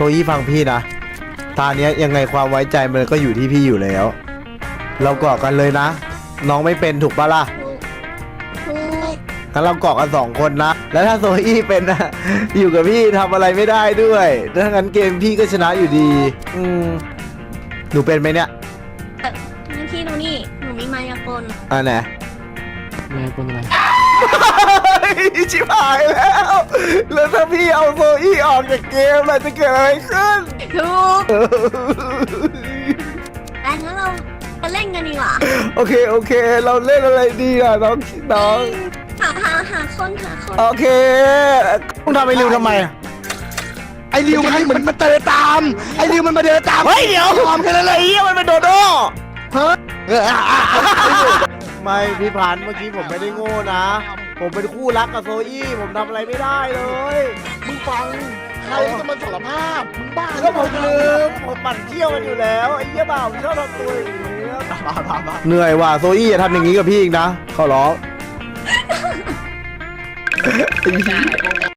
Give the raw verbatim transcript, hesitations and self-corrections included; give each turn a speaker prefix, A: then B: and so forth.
A: อี้ฟังพี่นะตาเนี้ยยังไงความไว้ใจมันก็อยู่ที่พี่อยู่แล้ว เราเกาะกันเลยนะ น้องไม่เป็นถูกปะล่ะ
B: ถูก
A: งั้นเราเกาะกันสองคนนะ แล้วถ้าโซอี้เป็นนะ อยู่กับพี่ทำอะไรไม่ได้ด้วยถ้างั้นเกมพี่ก็ชนะอยู่ดี อืมหนูเป็นไหมเนี่ย
B: นี่พี่ดูนี่หนูมีมายากล
A: อ่าไหน
C: แม่คนอะไร
A: ชิบหายแล้ว แล้วถ้าพี่เอาโซอี้ออกจากเกมล่ะจะเกิดอะไรขึ้น
B: ถูกแต่งั้นเรามาเล่นกันดีกว่า
A: โอเคโอเค เราเล่นอะไรดีอ่ะน้องน้อง
B: หาหาหาคนหาคน
A: โอเคต้องทำไอ้ริวทำไมอ่ะ
C: ไอ้ริวมันเหมือนมันเดินตาม ไอ้ริวมันมาเดินตาม
A: เฮ้ยเดี๋ยวทำกันอะไรเหี้ยมันเป็นโดโด้
C: ฮะ
A: ไม่พี่พันธุ์เมื่อกี้ผมไม่ได้โง่นะ ผมเป็นคู่รักกับโซอี้ผมทำอะไรไม่ได้เลย
C: มึงฟังใครจะมาสารภาพมึงบ้า
A: ก็ผมลืมผมปั่นเที่ยวมันอยู่แล้วไอ้เหี้ยบ่าวชอบทำตัวอย่างนี้เหนื่อยว่ะโซอี้อย่าทำอย่างนี้กับพี่อีกนะขอร้อง